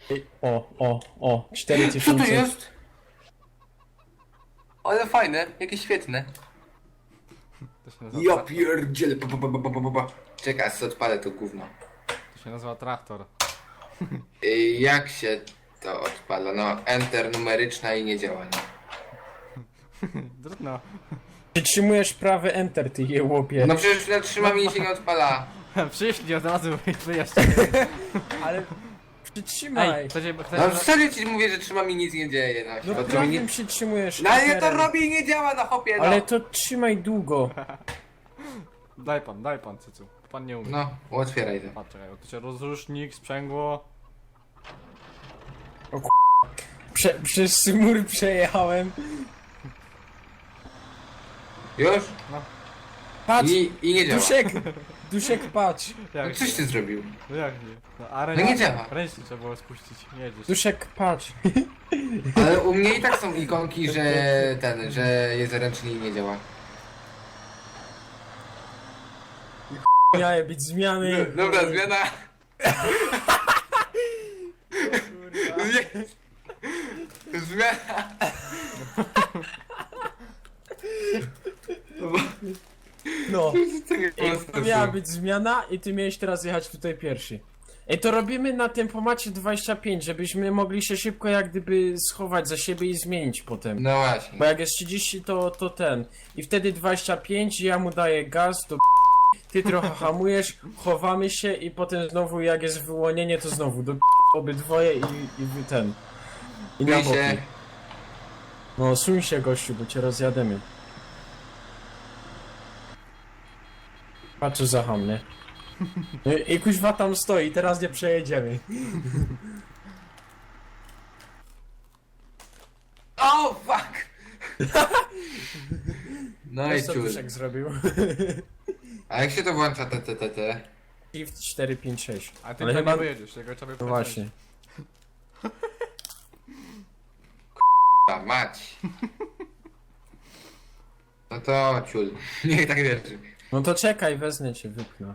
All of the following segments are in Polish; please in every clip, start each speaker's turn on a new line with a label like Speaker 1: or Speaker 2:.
Speaker 1: O,
Speaker 2: Co
Speaker 1: 4000.
Speaker 2: to jest? Ale fajne, jakie świetne.
Speaker 3: To się nazywa,
Speaker 2: Ja pierdzielę. Czekaj, aż sobie odpalę to gówno.
Speaker 3: to się nazywa traktor.
Speaker 2: Jak się to odpala? No, enter numeryczna i nie działa, nie?
Speaker 3: Trudno.
Speaker 1: Przytrzymujesz prawy enter, ty jełopie.
Speaker 2: No przecież ja trzymam i się nie odpala.
Speaker 3: Przyszli od razu wyjaśnili.
Speaker 1: Ale przytrzymaj.
Speaker 3: Ej, chcecie...
Speaker 2: No serio ci mówię, że trzymam i nic nie dzieje.
Speaker 1: No
Speaker 2: to mi
Speaker 1: prawym
Speaker 2: nie...
Speaker 1: przytrzymujesz
Speaker 2: No ale ja to
Speaker 1: enterem.
Speaker 2: robię i nie działa, no hopie, no.
Speaker 1: Ale to trzymaj długo.
Speaker 3: Daj pan, cycu. Pan nie umie.
Speaker 2: No, otwieraj to.
Speaker 3: Patrz, czekaj, to się rozrusznik, sprzęgło.
Speaker 1: Przez mur przejechałem.
Speaker 2: Już?
Speaker 1: Patrz,
Speaker 2: I nie działa.
Speaker 1: Duszek patrz.
Speaker 2: No
Speaker 3: Jak
Speaker 2: coś ty zrobił.
Speaker 3: No jak nie? No, a
Speaker 2: No nie działa.
Speaker 3: Ręcznie trzeba było spuścić, nie jedziesz.
Speaker 1: Duszek patrz.
Speaker 2: Ale u mnie i tak są ikonki, że że jest ręczny i nie działa.
Speaker 1: Miały być zmiany.
Speaker 2: Dobra, zmiana. Zmiana.
Speaker 1: No.
Speaker 2: To
Speaker 1: Miała być zmiana i ty miałeś teraz jechać tutaj pierwszy. Ej, to robimy na tempomacie 25, żebyśmy mogli się szybko jak gdyby schować za siebie i zmienić potem.
Speaker 2: No właśnie.
Speaker 1: Bo jak jest 30 to ten. I wtedy 25, ja mu daję gaz, to ty trochę hamujesz, chowamy się i potem znowu jak jest wyłonienie to znowu do obydwoje i wy ten. I na
Speaker 2: Myj
Speaker 1: boki.
Speaker 2: się.
Speaker 1: No suń się gościu, bo cię rozjademy. Patrz za ham, nie? No i kuźwa tam stoi, teraz nie przejedziemy.
Speaker 2: Oh fuck! No i
Speaker 1: Co
Speaker 2: ciul.
Speaker 1: Duszek zrobił?
Speaker 2: A jak się to włącza te?
Speaker 1: Shift 4, 5, 6.
Speaker 3: A ty
Speaker 1: Ale
Speaker 3: chyba
Speaker 1: chyba...
Speaker 3: nie wyjedziesz, tego trzeba
Speaker 1: No właśnie.
Speaker 2: A mać. No to ciul. Niech tak wierzy.
Speaker 1: No to czekaj, wezmę cię, wypchnę.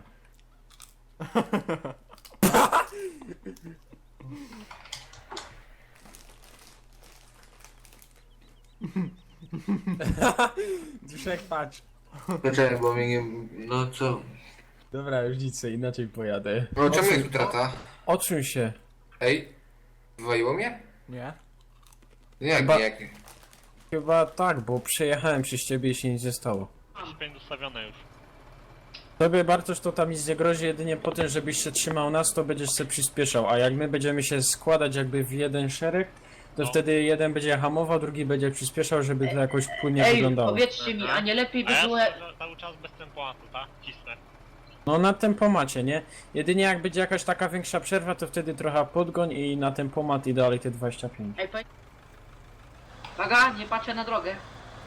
Speaker 1: Duszek, patrz.
Speaker 2: Dlaczego, bo mnie nie... No co?
Speaker 1: Dobra, już nic, sobie inaczej pojadę.
Speaker 2: No czemu jest utrata?
Speaker 1: Odsuń się.
Speaker 2: Ej? Wywaliło mnie?
Speaker 3: Nie?
Speaker 2: Jak,
Speaker 1: Chyba-
Speaker 2: jak?
Speaker 1: Chyba tak, bo przejechałem przez ciebie i się nic nie stało.
Speaker 4: Spięć ustawione już.
Speaker 1: Tobie Bartosz to tam nic nie grozi, jedynie po tym, żebyś się trzymał nas, to będziesz się przyspieszał, a jak my będziemy się składać jakby w jeden szereg, to
Speaker 4: No.
Speaker 1: wtedy jeden będzie hamował, drugi będzie przyspieszał, żeby to jakoś płynnie
Speaker 5: Ej,
Speaker 1: wyglądało.
Speaker 5: powiedzcie mi, a nie lepiej
Speaker 4: A
Speaker 5: by
Speaker 4: ja
Speaker 5: było...
Speaker 4: cały czas bez tempoatu, tak? Cisnę.
Speaker 1: No na tempomacie, nie? Jedynie jak będzie jakaś taka większa przerwa, to wtedy trochę podgoń i na tempomat i dalej te 25.
Speaker 5: Ej, Uwaga, nie patrzę na drogę.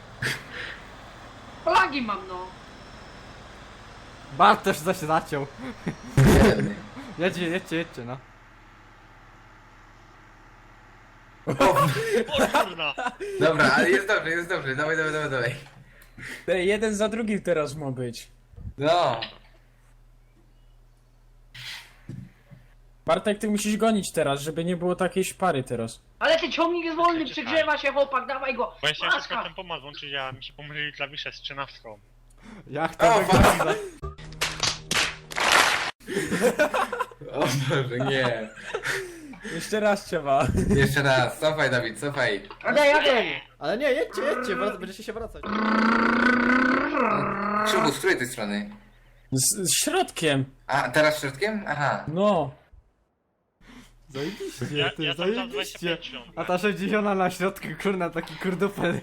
Speaker 5: Flagi mam, no.
Speaker 3: Bart też się zaciął.
Speaker 2: Biedny.
Speaker 3: Jedźcie, no.
Speaker 4: O kurna!
Speaker 2: Dobra, ale jest dobrze. Dawaj.
Speaker 1: Ej, jeden za drugim teraz ma być.
Speaker 2: No.
Speaker 1: Bartek, ty musisz gonić teraz, żeby nie było takiej szpary teraz.
Speaker 5: Ale ty ciągnik jest wolny,
Speaker 4: Czekaj.
Speaker 5: przegrzewa się chłopak, dawaj go.
Speaker 4: Bo ja chciałem szybko
Speaker 5: Maska.
Speaker 4: tempomat włączyć, a mi się pomylili klawisze z 13.
Speaker 3: Jak to
Speaker 2: O,
Speaker 3: wygląda?
Speaker 2: O Boże, nie.
Speaker 1: Jeszcze raz trzeba.
Speaker 2: Jeszcze raz, cofaj Dawid, cofaj.
Speaker 5: Jadę.
Speaker 3: Ale nie, jedźcie, będziecie się wracać.
Speaker 2: Krzywu, z której tej strony?
Speaker 1: Z środkiem.
Speaker 2: A, teraz środkiem? Aha.
Speaker 1: No.
Speaker 3: Zajebiście,
Speaker 4: Ja
Speaker 3: ty,
Speaker 4: tam
Speaker 3: zajebiście.
Speaker 4: 25 świąt.
Speaker 3: A ta 60 na środku, kurna, taki kurdupel.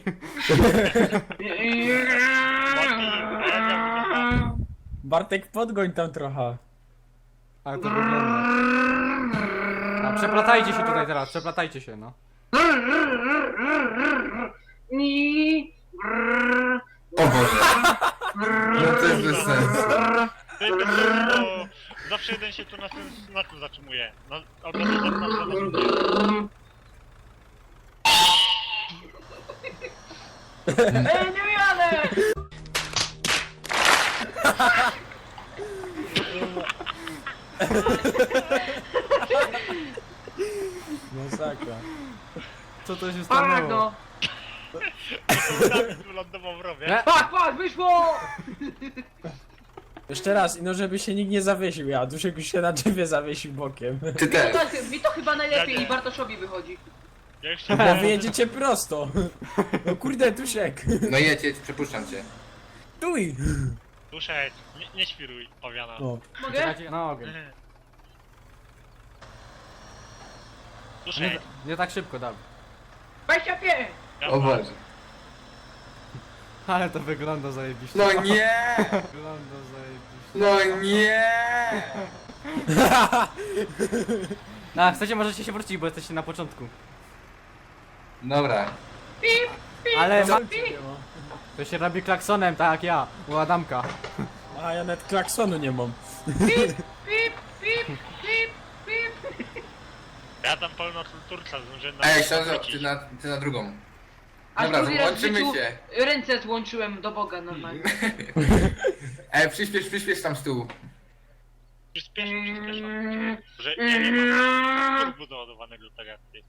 Speaker 1: Bartek, podgoń tam trochę.
Speaker 3: Ale to wygląda. A przeplatajcie się tutaj teraz, przeplatajcie się, no.
Speaker 2: O Boże. No to jest bez sensu.
Speaker 4: Ty, to zawsze jeden się tu na tym zatrzymuje. Albo na drugie.
Speaker 5: Ej, nie jadę.
Speaker 1: Masakra.
Speaker 3: Co to się
Speaker 5: Pak
Speaker 3: stanęło?
Speaker 5: no!
Speaker 4: Dawid wylądował w rowie.
Speaker 3: Nie.
Speaker 5: Pak, wyszło!
Speaker 1: Jeszcze raz, no żeby się nikt nie zawiesił, ja Duszek już się na drzewie zawiesił bokiem.
Speaker 2: Ty też.
Speaker 5: Mi to chyba najlepiej
Speaker 4: Ja nie.
Speaker 5: i Bartoszowi wychodzi.
Speaker 4: Ja już się
Speaker 1: Bo wy jedziecie prosto. No kurde, Duszek.
Speaker 2: No jedź, przepuszczam cię.
Speaker 1: Tuj.
Speaker 4: Duszek, nie świruj, pawiana.
Speaker 1: O.
Speaker 5: Mogę?
Speaker 3: Czekajcie, na ogień.
Speaker 4: Duszek,
Speaker 3: Nie tak szybko, Dawid.
Speaker 5: 25!
Speaker 2: O Boże.
Speaker 3: Ale to wygląda zajebiście.
Speaker 2: No nie!
Speaker 3: Wygląda zajebiście.
Speaker 2: No nie!
Speaker 3: No, chcecie, możecie się wrócić, bo jesteście na początku.
Speaker 2: Dobra.
Speaker 5: Pip, pip,
Speaker 3: Ale ma...
Speaker 5: pip.
Speaker 3: To się robi klaksonem, tak jak ja, u Adamka.
Speaker 1: A ja nawet klaksonu nie mam.
Speaker 5: Pip, pip, pip, pip.
Speaker 4: ja tam pełno turca zdążyłem
Speaker 2: Ej,
Speaker 4: na
Speaker 2: Ślązo,
Speaker 4: wrócić.
Speaker 2: ty na drugą.
Speaker 5: Aż
Speaker 2: Dobra,
Speaker 5: drugi raz w
Speaker 2: złączymy
Speaker 5: życiu
Speaker 2: się.
Speaker 5: ręce złączyłem do Boga normalnie.
Speaker 2: Ej, przyspiesz tam z tyłu.
Speaker 4: Przyspieszam. Że ja nie mam turbo doładowanego tak jak ty.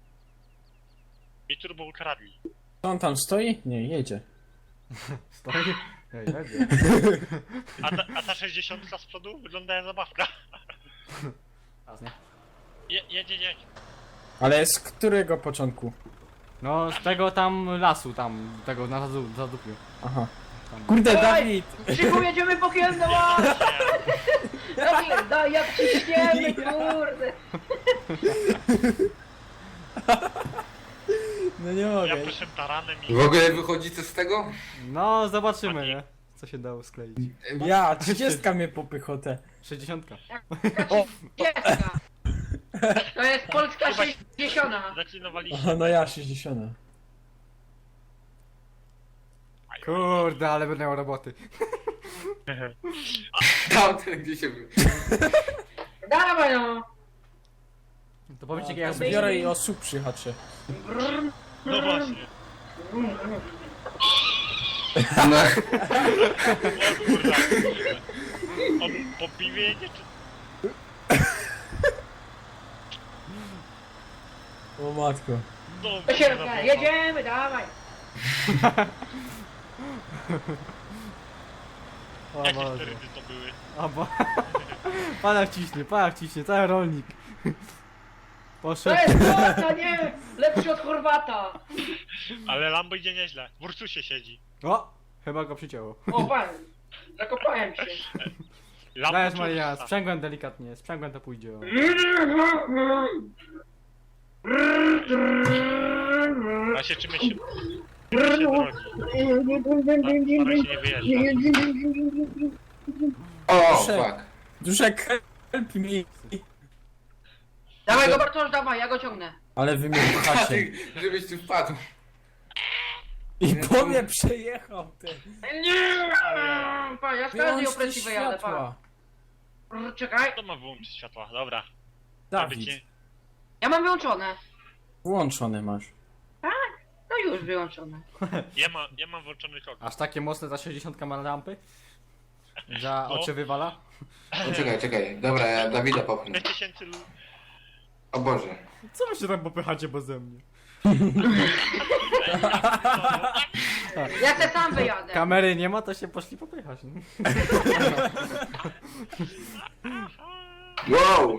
Speaker 4: I turbo ukradli.
Speaker 1: Co on tam stoi? Nie, jedzie.
Speaker 3: Stoi? Ej, jedzie.
Speaker 4: A ta 60 z przodu wygląda jak zabawka.
Speaker 3: Raz, nie?
Speaker 4: Jedź.
Speaker 1: Ale z którego początku?
Speaker 3: No, z tego tam lasu, tam, tego na zadupiu.
Speaker 1: Aha. Kurde, Dawid!
Speaker 5: Krzyku, jedziemy po Kielno! Dawid, daj, jak ciśniemy, kurde!
Speaker 1: No nie
Speaker 4: Ja
Speaker 1: mogę.
Speaker 4: proszę taranem i...
Speaker 2: W ogóle wychodzi co z tego?
Speaker 3: No, zobaczymy, nie? Co się dało skleić.
Speaker 1: Ja, 30 mnie popychotę.
Speaker 3: 60.
Speaker 1: O!
Speaker 5: Dziecka! To jest polska
Speaker 4: Chyba-
Speaker 5: 60.
Speaker 4: Zaklinowaliśmy.
Speaker 1: Aha, no ja 60.
Speaker 3: Kurde, ale będę miał roboty.
Speaker 2: Tamten gdzie się...
Speaker 5: Dawaj no!
Speaker 3: To powiedzcie,
Speaker 1: Ja
Speaker 3: jak
Speaker 1: zbiorę i osób przyhaczę.
Speaker 4: No właśnie.
Speaker 2: No,
Speaker 4: O kurwa. On po piwie jedzie czy...
Speaker 1: O matko.
Speaker 4: No,
Speaker 5: To się
Speaker 4: kurwa,
Speaker 5: jedziemy, dawaj!
Speaker 3: O
Speaker 4: Jakie
Speaker 3: Boże.
Speaker 4: sterydy to były?
Speaker 3: O bo... Pana ciśnie, cały rolnik.
Speaker 5: To
Speaker 3: Poszedł.
Speaker 5: jest Chorwata, nie! Lepszy od Chorwata!
Speaker 4: Ale Lambo idzie nieźle. W Ursusie siedzi.
Speaker 3: O! Chyba go przycięło.
Speaker 5: O, pan! Zakopałem się.
Speaker 4: Lambo
Speaker 3: Dajesz
Speaker 4: czy
Speaker 3: Maria,
Speaker 4: Ursusa?
Speaker 3: sprzęgłem delikatnie, sprzęgłem to pójdzie. O.
Speaker 4: A się czymś się... Czymś się drogi. Staraj się nie wyjeżdżać.
Speaker 2: o,
Speaker 1: Duszek.
Speaker 2: fuck.
Speaker 1: Duszek, help me.
Speaker 5: Dawaj go Bartosz, dawaj, ja go ciągnę.
Speaker 1: Ale wy mnie pchacie.
Speaker 2: Ty, żebyś tu wpadł.
Speaker 1: I po mnie przejechał ty.
Speaker 5: Nie! Pa, ja z każdej
Speaker 1: Wyłącz te
Speaker 5: opresji wyjadę, pa.
Speaker 1: światła.
Speaker 5: Czekaj,
Speaker 4: Kto ma wyłączyć światła? Dobra.
Speaker 1: Dawid,
Speaker 5: ja mam wyłączone.
Speaker 1: włączone masz.
Speaker 5: No już wyłączone.
Speaker 4: Ja mam włączony kok.
Speaker 3: Aż takie mocne ta 60 ma lampy? Za
Speaker 4: No.
Speaker 3: oczy wywala?
Speaker 2: No, czekaj. Dobra, ja Dawida popchnę.
Speaker 4: 5000
Speaker 2: O Boże.
Speaker 3: Co wy się tam popychacie beze mnie?
Speaker 5: Ja se sam wyjadę.
Speaker 3: Kamery nie ma, to się poszli popychać. Nie?
Speaker 2: Wow!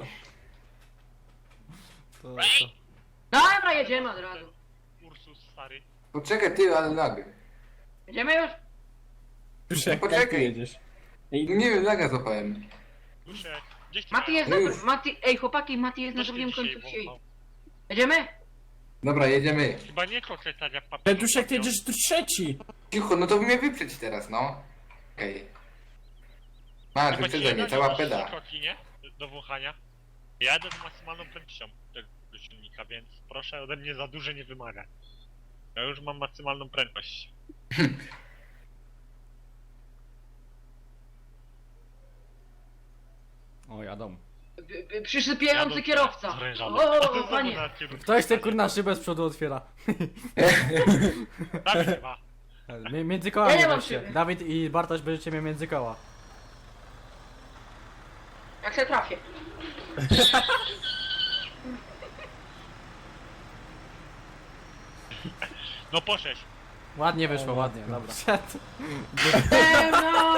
Speaker 3: To.
Speaker 5: Dobra, jedziemy od razu.
Speaker 4: Ursus stary.
Speaker 2: Poczekaj ty, ale lag.
Speaker 5: Jedziemy już?
Speaker 1: Duszek,
Speaker 2: Poczekaj.
Speaker 1: jak ty jedziesz? Ej,
Speaker 2: Nie wiem, laga złapałem.
Speaker 4: Duszek, gdzieś ty
Speaker 5: Mati jest
Speaker 2: No
Speaker 5: na...
Speaker 2: już.
Speaker 5: Mati, ej chłopaki, Mati jest na
Speaker 4: Coś ty
Speaker 5: drugim
Speaker 4: dzisiaj
Speaker 5: końcu wsi.
Speaker 4: wąchał.
Speaker 5: Jedziemy?
Speaker 2: Dobra, jedziemy.
Speaker 4: Chyba nie kokretania w
Speaker 1: ale
Speaker 4: papierze.
Speaker 1: Duszek, ty jedziesz tu trzeci.
Speaker 2: Cicho, no to mnie wyprzedź teraz, no. Okej. Masz, wyprzedzenie, cała peda.
Speaker 4: Koki, nie? Do wąchania. Ja jadę z maksymalną prędkością tego silnika, więc proszę ode mnie za duże nie wymagać. Ja już mam maksymalną prędkość.
Speaker 3: O, jadą.
Speaker 5: Przysypiający
Speaker 4: Jadą
Speaker 5: kierowca.
Speaker 4: zrężony.
Speaker 5: O, panie.
Speaker 3: Ktoś te kurna szybę z przodu otwiera.
Speaker 4: Dawid chyba.
Speaker 3: Między
Speaker 5: Ja
Speaker 3: kołami
Speaker 5: nie mam
Speaker 3: weźcie.
Speaker 5: szyby.
Speaker 3: Dawid i Bartosz będziecie mieć między koła.
Speaker 5: Jak się trafię.
Speaker 4: No po 6.
Speaker 3: Ładnie wyszło, ładnie, dobra.
Speaker 5: No.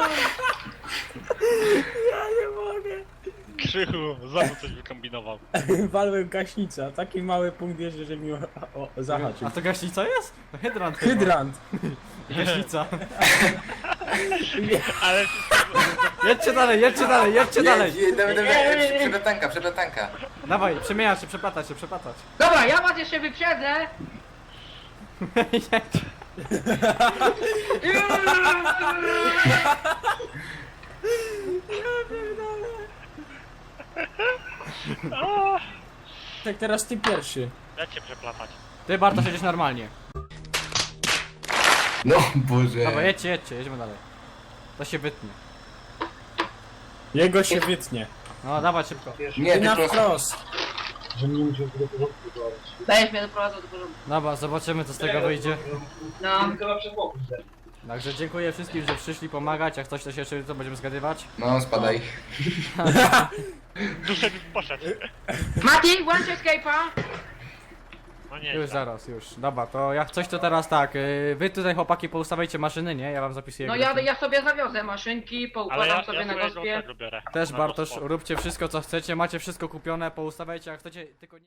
Speaker 4: Krzychu, znowu coś wykombinował.
Speaker 1: Walłem gaśnicę, a taki mały punkt jeszcze, że mi zahaczył.
Speaker 3: A to gaśnica jest? To hydrant chyba.
Speaker 1: Hydrant.
Speaker 3: Gaśnica.
Speaker 4: Ale
Speaker 3: Jedźcie dalej, jedźcie dalej, jedźcie dalej.
Speaker 2: Dawaj, przepletanka.
Speaker 3: Dawaj, przemieniać się, przeplatać się, przeplatać.
Speaker 5: Dobra, ja was jeszcze wyprzedzę.
Speaker 1: Tak teraz ty pierwszy.
Speaker 4: ja cię przeplatać.
Speaker 3: Ty Bartosz jedziesz normalnie.
Speaker 2: No Boże.
Speaker 3: Dobra, jedźcie, jedźcie, jedźmy dalej. To się wytnie.
Speaker 1: Jego się wytnie.
Speaker 3: No, dawaj szybko.
Speaker 2: Nie,
Speaker 1: Ty
Speaker 2: ty
Speaker 1: na
Speaker 2: prosto.
Speaker 1: wprost.
Speaker 5: Będziesz mnie doprowadzał do porządku.
Speaker 3: Dobra, zobaczymy co z tego wyjdzie.
Speaker 5: No.
Speaker 3: Także dziękuję wszystkim, że przyszli pomagać. Jak coś to się jeszcze to będziemy zgadywać.
Speaker 2: No, spadaj.
Speaker 4: Duszek poszedł.
Speaker 5: Mati, włącz escape'a.
Speaker 4: No nie,
Speaker 3: Już zaraz, już. Dobra, to jak coś to teraz tak. Wy tutaj chłopaki poustawiajcie maszyny, nie? Ja wam zapisuję.
Speaker 5: No
Speaker 3: grafik.
Speaker 5: ja sobie zawiozę maszynki,
Speaker 4: ale
Speaker 5: poukładam
Speaker 4: ja
Speaker 5: sobie na
Speaker 4: swojego
Speaker 5: gospie.
Speaker 4: tego biorę.
Speaker 3: Też
Speaker 4: Na
Speaker 3: Bartosz,
Speaker 4: gospę.
Speaker 3: róbcie wszystko co chcecie, macie wszystko kupione, poustawiajcie jak chcecie, tylko nie...